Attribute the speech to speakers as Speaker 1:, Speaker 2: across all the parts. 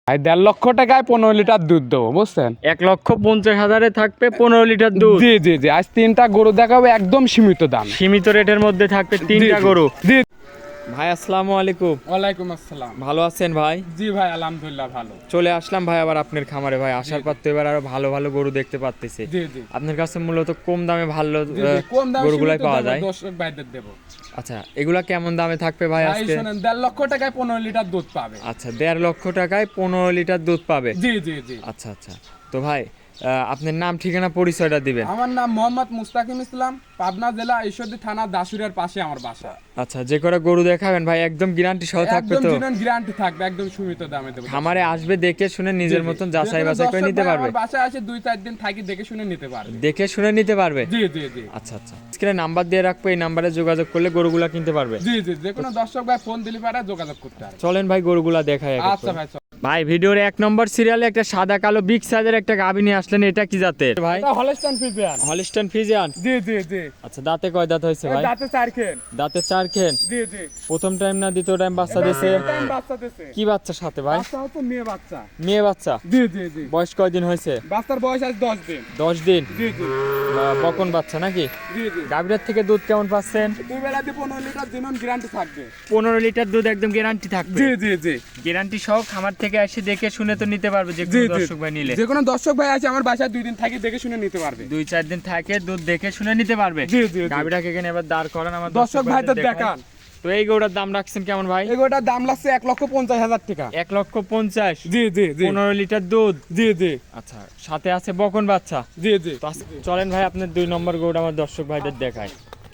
Speaker 1: ভাই 1.5 লক্ষ টাকায় 15 লিটার দুধ দেবো, বুঝছেন?
Speaker 2: 1,50,000 থাকবে 15 লিটার দুধ।
Speaker 1: জি জি জি, আজ 3টা গরু দেখাবো একদম সীমিত দাম,
Speaker 2: সীমিত রেটের মধ্যে থাকবে 3টা গরু।
Speaker 1: জি।
Speaker 2: ভাই আসসালামু আলাইকুম।
Speaker 1: ওয়ালাইকুম আসসালাম।
Speaker 2: ভালো আছেন ভাই?
Speaker 1: জি ভাই, আলহামদুলিল্লাহ ভালো।
Speaker 2: চলে আসলাম ভাই আবার আপনার খামারে ভাই। আসার পর তো এবার আরো ভালো ভালো গরু দেখতে পাচ্তেছি।
Speaker 1: জি জি
Speaker 2: আপনার কাছে মূলত কম দামে ভালো
Speaker 1: কম দামে
Speaker 2: গরুগুলাই পাওয়া যায়।
Speaker 1: দর্শক ভাইদের দেবো।
Speaker 2: আচ্ছা, এগুলা কেমন দামে থাকবে ভাই
Speaker 1: ভাই
Speaker 2: আজকে?
Speaker 1: শুনেন, 1.5 লক্ষ টাকায় 15 লিটার দুধ পাবে।
Speaker 2: আচ্ছা, 1.5 লক্ষ টাকায় 15 লিটার দুধ পাবে।
Speaker 1: জি জি জি।
Speaker 2: আচ্ছা আচ্ছা, তো ভাই আপনার নাম ঠিকানা পরিচয়টা দিবেন।
Speaker 1: আমার নাম মোহাম্মদ মুস্তাকিম ইসলাম, পাবনা জেলা ঈশ্বরদী থানা দাসুরিয়ার পাশে আমার বাসা।
Speaker 2: আচ্ছা, যে কটা গরু দেখাবেন ভাই একদম গ্যারান্টি সহ থাকবে
Speaker 1: একদম
Speaker 2: তো?
Speaker 1: জিনুইন গ্যারান্টি থাকবে, একদম সীমিত দামে দেবো।
Speaker 2: খামারে আসবে দেখে শুনে নিজের মতন যাচাই বাছাই করে নিতে পারবে।
Speaker 1: আমার বাসায় আসে 2-4 দিন থাকি, দেখে শুনে নিতে পারবে।
Speaker 2: দেখে শুনে নিতে পারবে।
Speaker 1: জি জি জি।
Speaker 2: আচ্ছা আচ্ছা, স্ক্রিনে নাম্বার দিয়ে রাখবো, এই নাম্বারে যোগাযোগ করলে গরুগুলা কিনতে পারবে।
Speaker 1: জি জি, যে কোনো দর্শক ভাই ফোন দিলে পারে যোগাযোগ করতে পারে।
Speaker 2: চলেন ভাই গরুগুলা দেখাই এক এক
Speaker 1: আচ্ছা
Speaker 2: করে।
Speaker 1: ভাই চল।
Speaker 2: ভাই ভিডিওর 1 নম্বর সিরিয়ালে একটা সাদা কালো বিগ সাইজের একটা গাভী নিয়ে আসলেন, এটা কি জাতের ভাই?
Speaker 1: এটা হলস্টাইন ফ্রিজিয়ান।
Speaker 2: Holstein Friesian.
Speaker 1: জি জি জি।
Speaker 2: আচ্ছা, দাঁতে কয় দাঁত হয়েছে ভাই?
Speaker 1: দাঁতে 4 খেন।
Speaker 2: দাঁতে 4 খেন।
Speaker 1: জি জি।
Speaker 2: প্রথম টাইম না দ্বিতীয় টাইম বাচ্চা দিয়েছে?
Speaker 1: টাইম বাচ্চা দিছে।
Speaker 2: কি বাচ্চা সাথে ভাই?
Speaker 1: বাচ্চা হচ্ছে মেয়ে বাচ্চা।
Speaker 2: মেয়ে বাচ্চা।
Speaker 1: জি জি জি।
Speaker 2: বয়স কয়দিন হয়েছে?
Speaker 1: বাচ্চার বয়স আজ 10 দিন।
Speaker 2: 10 দিন।
Speaker 1: জি জি
Speaker 2: বকন বাচ্চা নাকি?
Speaker 1: জি জি।
Speaker 2: গাভীর থেকে দুধ কেমন পাচ্ছেন?
Speaker 1: দুই বেলা দিয়ে 15 লিটার জিনুইন গ্যারান্টি থাকবে।
Speaker 2: 15 লিটার দুধ একদম গ্যারান্টি থাকবে।
Speaker 1: জি জি জি।
Speaker 2: গ্যারান্টি সহ খামার থেকে এসে দেখে শুনে তো নিতে পারবে যে
Speaker 1: জি
Speaker 2: কোনো
Speaker 1: জি।
Speaker 2: দর্শক ভাই নিলে।
Speaker 1: যে কোনো দর্শক ভাই আছে আমার বাসায় 2 দিন থাকি, দেখে শুনে নিতে পারবে।
Speaker 2: 2-4 দিন থাকে দুধ দেখে শুনে নিতে পারবে।
Speaker 1: জি জি জি।
Speaker 2: গাভীটাকে এখানে এবার দাঁড় করান, আমার
Speaker 1: দর্শক ভাইদের
Speaker 2: দেখান।
Speaker 1: দেখান।
Speaker 2: তো এই গরুটার দাম রাখছেন কেমন ভাই?
Speaker 1: এগুলোটার দাম লাগছে 1,50,000 টাকা।
Speaker 2: 1,50,000।
Speaker 1: জি জি জি।
Speaker 2: 15 লিটার দুধ।
Speaker 1: জি জি
Speaker 2: আচ্ছা, সাথে আছে বকন বাচ্চা।
Speaker 1: জি জি।
Speaker 2: তো চলেন ভাই আপনার 2 নম্বর গরুটা আমার দর্শক ভাইদের দেখায়।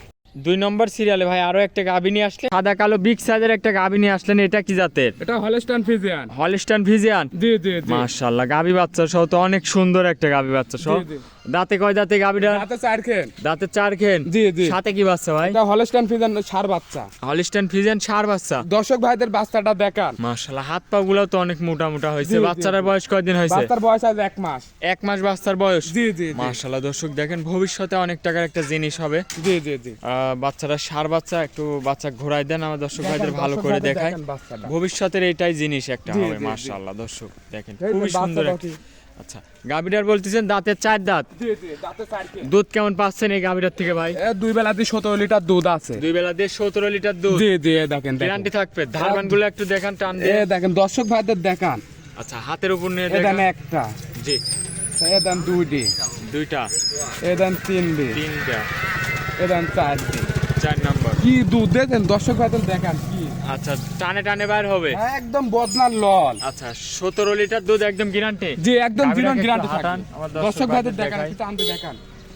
Speaker 2: 2 নম্বর সিরিয়ালে ভাই আরো একটা গাভী নিয়ে আসলেন, সাদা কালো বিগ সাইজের একটা গাভী নিয়ে আসলেন, এটা কি জাতের?
Speaker 1: এটা হলস্টাইন ফ্রিজিয়ান।
Speaker 2: Holstein Friesian.
Speaker 1: জি জি জি।
Speaker 2: মাশাআল্লাহ, গাভী বাচ্চা সহ তো অনেক সুন্দর একটা গাভী বাচ্চা সহ।
Speaker 1: জি জি।
Speaker 2: দাঁতে কয় দাঁতে গাভীটা?
Speaker 1: দাঁতে 4 খেন।
Speaker 2: দাঁতে 4 খেন।
Speaker 1: জি জি।
Speaker 2: সাথে কি বাচ্চা ভাই?
Speaker 1: এটা হলস্টাইন ফ্রিজিয়ান ষাঁড় বাচ্চা।
Speaker 2: হলিস্টাইন ফ্রিজিয়ান ষাঁড় বাচ্চা।
Speaker 1: দর্শক ভাইদের বাচ্চাটা দেখান।
Speaker 2: মাশাআল্লাহ, হাত পা গুলো তো অনেক মোটা মোটা হয়েছে।
Speaker 1: জি, জি,
Speaker 2: বাচ্চাটার
Speaker 1: জি।
Speaker 2: বয়স কয়দিন হয়েছে?
Speaker 1: বাচ্চার বয়স আজ 1 মাস।
Speaker 2: 1 মাস বাচ্চার বয়স।
Speaker 1: জি জি জি।
Speaker 2: মাশাআল্লাহ, দর্শক দেখেন ভবিষ্যতে অনেক টাকার একটা জিনিস হবে।
Speaker 1: জি জি জি।
Speaker 2: বাচ্চাটা ষাঁড় বাচ্চা, একটু বাচ্চা ঘোরায় দেন আমার দর্শক ভাইদের
Speaker 1: দেখেন,
Speaker 2: ভালো
Speaker 1: দর্শক
Speaker 2: করে
Speaker 1: ভাইদের
Speaker 2: দেখায়।
Speaker 1: দেখেন বাচ্চাটা।
Speaker 2: ভবিষ্যতের এইটাই জিনিস একটা
Speaker 1: জি,
Speaker 2: হবে।
Speaker 1: জি, জি।
Speaker 2: মাশাআল্লাহ, দর্শক দেখেন
Speaker 1: এই যে
Speaker 2: খুবই সুন্দর
Speaker 1: বাচ্চাটা
Speaker 2: একটা।
Speaker 1: ঠিক।
Speaker 2: আচ্ছা, গাভীটার বলতেছেন দাঁতের 4 দাঁত।
Speaker 1: জি জি, দাঁতে 4 খেন।
Speaker 2: দুধ কেমন পাচ্ছেন এই গাভীটার থেকে ভাই?
Speaker 1: দুই বেলাতে 17 লিটার দুধ আছে।
Speaker 2: 2 বেলা দিয়ে 17 লিটার দুধ।
Speaker 1: জি জি, দেখেন দেখেন।
Speaker 2: গ্যারান্টি থাকবে। ধারবান গুলো একটু দেখান, টান
Speaker 1: এ
Speaker 2: দিয়ে।
Speaker 1: দেখেন দর্শক ভাইদের দেখান।
Speaker 2: আচ্ছা, হাতের উপর নিয়ে
Speaker 1: এ দেন
Speaker 2: দেখান।
Speaker 1: একটা,
Speaker 2: জি,
Speaker 1: এ দেন 2টি,
Speaker 2: 2টা,
Speaker 1: এ দেন 3টি,
Speaker 2: 3টা,
Speaker 1: এ দেন 4টি।
Speaker 2: 4 নম্বর।
Speaker 1: কি দুধ দেখেন দর্শক ভাইদের দেখান কি।
Speaker 2: আচ্ছা, টানে টানে বাইর হবে।
Speaker 1: একদম বদনার লল।
Speaker 2: আচ্ছা, 17 লিটার দুধ একদম গ্যারান্টি।
Speaker 1: জি একদম
Speaker 2: গাভীটাকে
Speaker 1: জিরন
Speaker 2: একটু
Speaker 1: গ্যারান্টি
Speaker 2: হাঁটান,
Speaker 1: থাকবে।
Speaker 2: আমার
Speaker 1: দর্শক ভাইদের দেখান,
Speaker 2: দেখাই।
Speaker 1: একটু টানতে দেখান।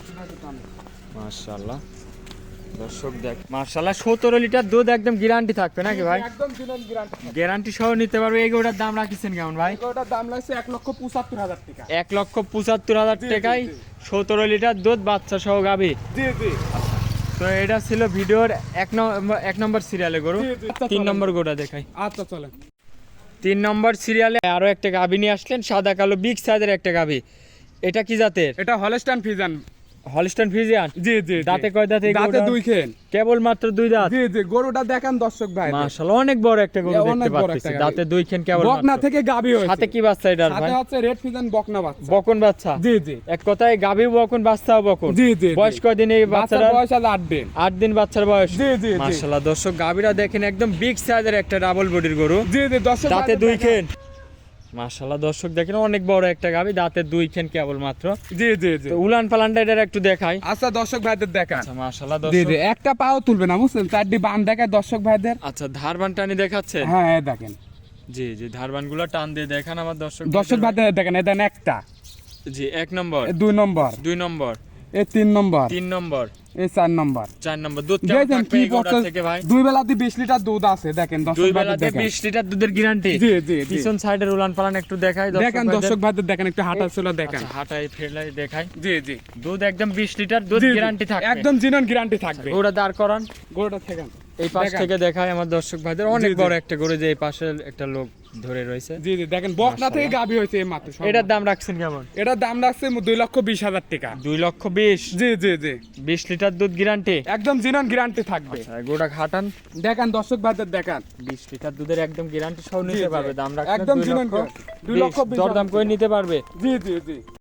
Speaker 2: মাশাআল্লাহ, দর্শক দেখ, মাশাআল্লাহ 17 লিটার দুধ একদম গ্যারান্টি থাকবে নাকি ভাই?
Speaker 1: একদম জিরন গ্যারান্টি।
Speaker 2: গ্যারান্টি সহ নিতে পারবে। এই গরুটার দাম রাখিছেন কেমন ভাই?
Speaker 1: এটার দাম লাগছে 1,75,000 টাকা।
Speaker 2: 1,75,000
Speaker 1: জি,
Speaker 2: টাকায়
Speaker 1: জি, জি।
Speaker 2: 17 লিটার দুধ বাচ্চা সহ গাভী।
Speaker 1: জি জি
Speaker 2: তো এটা ছিল ভিডিওর 1 নম্বর সিরিয়ালে গরু।
Speaker 1: জি, জি।
Speaker 2: 3 নম্বর গরুটা দেখাই।
Speaker 1: আচ্ছা চলেন।
Speaker 2: 3 নম্বর সিরিয়ালে আরো একটা গাভী নিয়ে আসলেন, সাদা কালো বিগ সাইজের একটা গাভী। এটা কি জাতের?
Speaker 1: এটা হলস্টাইন ফ্রিজিয়ান।
Speaker 2: Holstein Friesian.
Speaker 1: জি জি।
Speaker 2: দাঁতে কয় দাঁত এই
Speaker 1: দাঁতে
Speaker 2: গরুটার?
Speaker 1: 2 খেন।
Speaker 2: কেবল মাত্র 2 দাঁত।
Speaker 1: জি জি, গরুটা দেখান দর্শক ভাই।
Speaker 2: মাশাআল্লাহ, অনেক বড় একটা গরু দেখতে
Speaker 1: অনেক বড়
Speaker 2: পাচ্ছি।
Speaker 1: একটা গাভী।
Speaker 2: দাঁতে 2 খেন কেবল
Speaker 1: বকনা
Speaker 2: মাত্র।
Speaker 1: থেকে গাবি হয়েছে।
Speaker 2: সাথে কি বাচ্চা এটার ভাই?
Speaker 1: সাথে হচ্ছে রেড ফ্রিজিয়ান বকনা বাচ্চা।
Speaker 2: বকন বাচ্চা।
Speaker 1: জি জি।
Speaker 2: এক কথায় গাভী বকন, বাচ্চাও বকন।
Speaker 1: জি জি।
Speaker 2: বয়স কয়দিন এই
Speaker 1: বাচ্চার
Speaker 2: বাচ্চাটার?
Speaker 1: বয়স আজ 8 দিন।
Speaker 2: 8 দিন বাচ্চার বয়স।
Speaker 1: জি জি জি।
Speaker 2: মাশাআল্লাহ, দর্শক গাভীরা দেখেন একদম বিগ সাইজের একটা ডাবল বডির গরু।
Speaker 1: জি জি, দর্শক
Speaker 2: দাঁতে
Speaker 1: ভাইদের
Speaker 2: 2
Speaker 1: দেখান।
Speaker 2: খেন। মাশাআল্লাহ, দর্শক দেখেন অনেক বড় একটা গাভী, দাঁতে 2 খেন কেবল মাত্র।
Speaker 1: জি জি জি।
Speaker 2: তো উলান পালানটা এটা একটু দেখাই।
Speaker 1: আচ্ছা দর্শক ভাইদের দেখান।
Speaker 2: আচ্ছা, মাশাআল্লাহ
Speaker 1: জি
Speaker 2: দর্শক।
Speaker 1: জি, একটা পাও তুলবে না বুঝছেন, 4টি বান দেখায় দর্শক ভাইদের।
Speaker 2: আচ্ছা, ধারবান টানি দেখাচ্ছে।
Speaker 1: হ্যাঁ এই দেখেন।
Speaker 2: জি জি, ধারবানগুলো টান দিয়ে দেখান আমার দর্শক
Speaker 1: দর্শক ভাইদের দেখেন, এই দেন একটা,
Speaker 2: জি, 1 নম্বর,
Speaker 1: 2 নম্বর,
Speaker 2: 2 নম্বর,
Speaker 1: 3 নম্বর,
Speaker 2: 3 নম্বর,
Speaker 1: 4 নম্বর।
Speaker 2: 4 নম্বর। দুধ কেমন
Speaker 1: দেখেন
Speaker 2: থাকবে
Speaker 1: কি
Speaker 2: এই গরুটার
Speaker 1: বছর
Speaker 2: থেকে ভাই?
Speaker 1: দুই বেলাতে 20 লিটার দুধ আছে দেখেন দর্শক
Speaker 2: 2
Speaker 1: ভাইদের
Speaker 2: বেলাতে
Speaker 1: দেখেন।
Speaker 2: 20 লিটার দুধের গ্যারান্টি।
Speaker 1: জি জি জি।
Speaker 2: পিছন সাইডের উলান পালান একটু দেখাই
Speaker 1: দেখেন দর্শক ভাইদের দেখেন, একটু হাঁটা চলা দেখেন।
Speaker 2: আচ্ছা, হাঁটাই ফেরলাই দেখাই।
Speaker 1: জি জি।
Speaker 2: দুধ একদম 20 লিটার দুধ
Speaker 1: জি, জি।
Speaker 2: গ্যারান্টি থাকবে।
Speaker 1: একদম জিনন গ্যারান্টি থাকবে।
Speaker 2: ওটা দাঁড় করান,
Speaker 1: গরুটা থেকে
Speaker 2: এই পাশ
Speaker 1: দেখান।
Speaker 2: থেকে দেখাই আমার দর্শক ভাইদের। অনেক
Speaker 1: জি, জি।
Speaker 2: বড় একটা গরু, যে এই পাশে একটা লোক ধরে রয়েছে।
Speaker 1: জি জি, দেখেন বকনা থেকে গাবি হয়েছে এই মাত্র।
Speaker 2: এটার দাম রাখছেন কেমন?
Speaker 1: এটার দাম রাখছে 2,20,000 টাকা।
Speaker 2: 2,20,000।
Speaker 1: জি জি জি।
Speaker 2: 20 লিটার দুধ গ্যারান্টি।
Speaker 1: একদম জিনন গ্যারান্টি থাকবে।
Speaker 2: গোটা খাটান,
Speaker 1: দেখেন দর্শক ভাইদের দেখান।
Speaker 2: 20 লিটার দুধের একদম গ্যারান্টি সহ
Speaker 1: জি,
Speaker 2: নিতে
Speaker 1: জি।
Speaker 2: পারবে। দাম রাখছেন
Speaker 1: একদম
Speaker 2: 2
Speaker 1: জিনন
Speaker 2: লক্ষ
Speaker 1: 2 লক্ষ 20
Speaker 2: দরদাম করে নিতে পারবে।
Speaker 1: জি জি জি